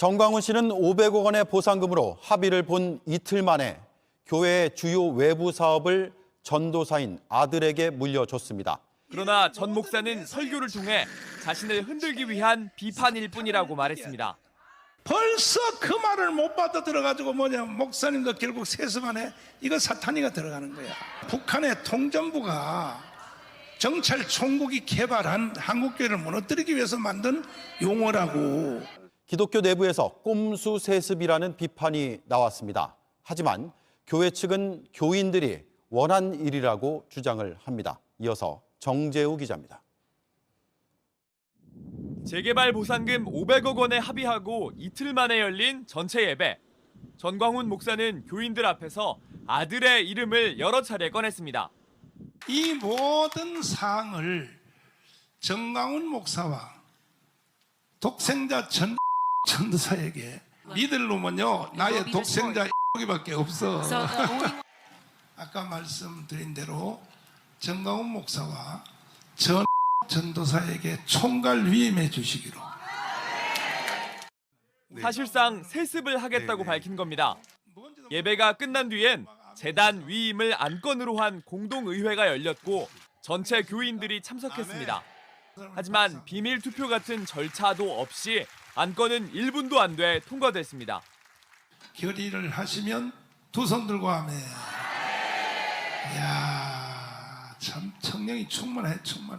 정광훈 씨는 500억 원의 보상금으로 합의를 본 이틀 만에 교회의 주요 외부 사업을 전도사인 아들에게 물려줬습니다. 그러나 전 목사는 설교를 통해 자신을 흔들기 위한 비판일 뿐이라고 말했습니다. 벌써 그 말을 못 받아들여가지고 목사님도 결국 세습안에 이거 사탄이가 들어가는 거야. 북한의 통전부가 정찰 총국이 개발한 한국교회를 무너뜨리기 위해서 만든 용어라고. 기독교 내부에서 꼼수 세습이라는 비판이 나왔습니다. 하지만 교회 측은 교인들이 원한 일이라고 주장을 합니다. 이어서 정재우 기자입니다. 재개발 보상금 500억 원에 합의하고 이틀 만에 열린 전체 예배. 전광훈 목사는 교인들 앞에서 아들의 이름을 여러 차례 꺼냈습니다. 이 모든 사항을 정광훈 목사와 독생자 전도사에게 믿을 놈은요 나의 독생자 밖에 없어. 아까 말씀드린 대로 정광훈 목사와 전도사에게 총괄 위임해 주시기로. 사실상 세습을 하겠다고 밝힌 겁니다. 예배가 끝난 뒤엔 재단 위임을 안건으로 한 공동의회가 열렸고 전체 교인들이 참석했습니다. 하지만 비밀 투표 같은 절차도 없이 안건은 1분도 안 돼 통과됐습니다. 결의를 하시면 두 손 들고 하면 이야 참 청량이 충만해.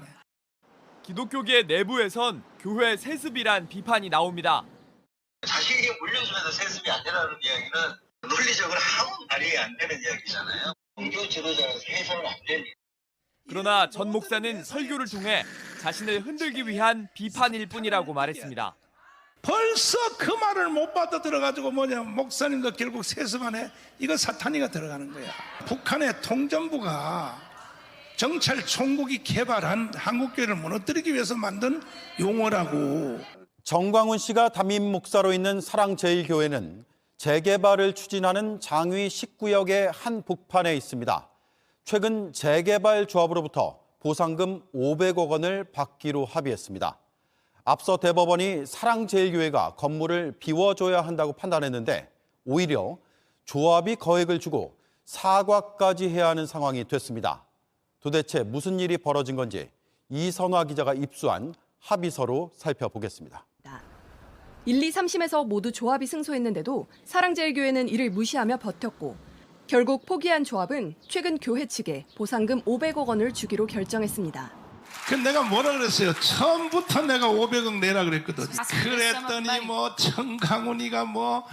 기독교계 내부에선 교회 세습이란 비판이 나옵니다. 자식에게 물려주면서 세습이 안 되라는 이야기는 논리적으로 아무 말이 안 되는 이야기잖아요. 종교 지도자로서 해서는 안 되니. 그러나 전 목사는 설교를 통해 자신을 흔들기 위한 비판일 뿐이라고 말했습니다. 벌써 그 말을 못 받아들여가지고 목사님도 결국 세습안에 이거 사탄이가 들어가는 거야. 북한의 통전부가 정찰 총국이 개발한 한국교회를 무너뜨리기 위해서 만든 용어라고. 정광훈 씨가 담임 목사로 있는 사랑제일교회는 재개발을 추진하는 장위 19역의 한 복판에 있습니다. 최근 재개발 조합으로부터 보상금 500억 원을 받기로 합의했습니다. 앞서 대법원이 사랑제일교회가 건물을 비워줘야 한다고 판단했는데 오히려 조합이 거액을 주고 사과까지 해야 하는 상황이 됐습니다. 도대체 무슨 일이 벌어진 건지 이선화 기자가 입수한 합의서로 살펴보겠습니다. 1, 2, 3심에서 모두 조합이 승소했는데도 사랑제일교회는 이를 무시하며 버텼고 결국 포기한 조합은 최근 교회 측에 보상금 500억 원을 주기로 결정했습니다. 내가 뭐라 그랬어요? 처음부터 내가 500억 내라 그랬거든. 그랬더니 정광훈이가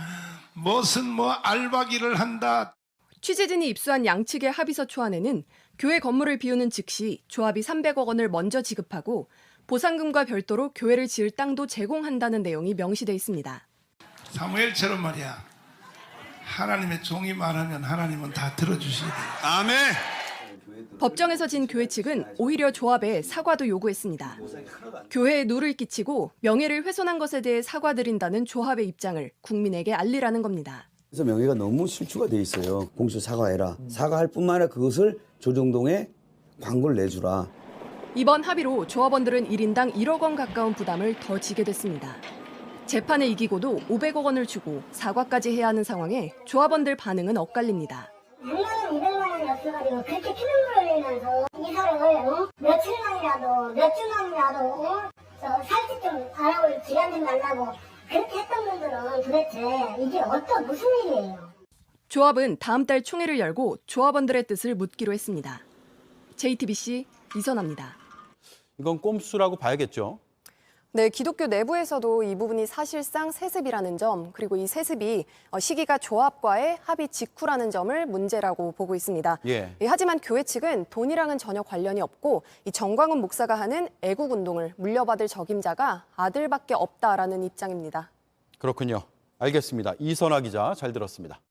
무슨 알바기를 한다. 취재진이 입수한 양측의 합의서 초안에는 교회 건물을 비우는 즉시 조합이 300억 원을 먼저 지급하고 보상금과 별도로 교회를 지을 땅도 제공한다는 내용이 명시돼 있습니다. 사무엘처럼 말이야. 하나님의 종이 말하면 하나님은 다 들어주시게 돼요. 아멘. 법정에서 진 교회 측은 오히려 조합에 사과도 요구했습니다. 교회에 누를 끼치고 명예를 훼손한 것에 대해 사과드린다는 조합의 입장을 국민에게 알리라는 겁니다. 그래서 명예가 너무 실추가 돼 있어요. 공식 사과해라. 사과할 뿐만 아니라 그것을 조정동에 광고를 내주라. 이번 합의로 조합원들은 1인당 1억 원 가까운 부담을 더 지게 됐습니다. 재판에 이기고도 500억 원을 주고 사과까지 해야 하는 상황에 조합원들 반응은 엇갈립니다. 100만 원, 200만 원이 없어가지고 그렇게 피눈물을 흘리면서 이사를 며칠만이라도 몇 주만이라도 살집 좀 알아볼 기간 좀 달라고 그렇게 했던 분들은 도대체 이게 무슨 일이에요? 조합은 다음 달 총회를 열고 조합원들의 뜻을 묻기로 했습니다. JTBC 이선아입니다. 이건 꼼수라고 봐야겠죠. 네, 기독교 내부에서도 이 부분이 사실상 세습이라는 점, 그리고 이 세습이 시기가 조합과의 합의 직후라는 점을 문제라고 보고 있습니다. 예. 하지만 교회 측은 돈이랑은 전혀 관련이 없고 이 정광훈 목사가 하는 애국운동을 물려받을 적임자가 아들밖에 없다라는 입장입니다. 그렇군요. 알겠습니다. 이선화 기자 잘 들었습니다.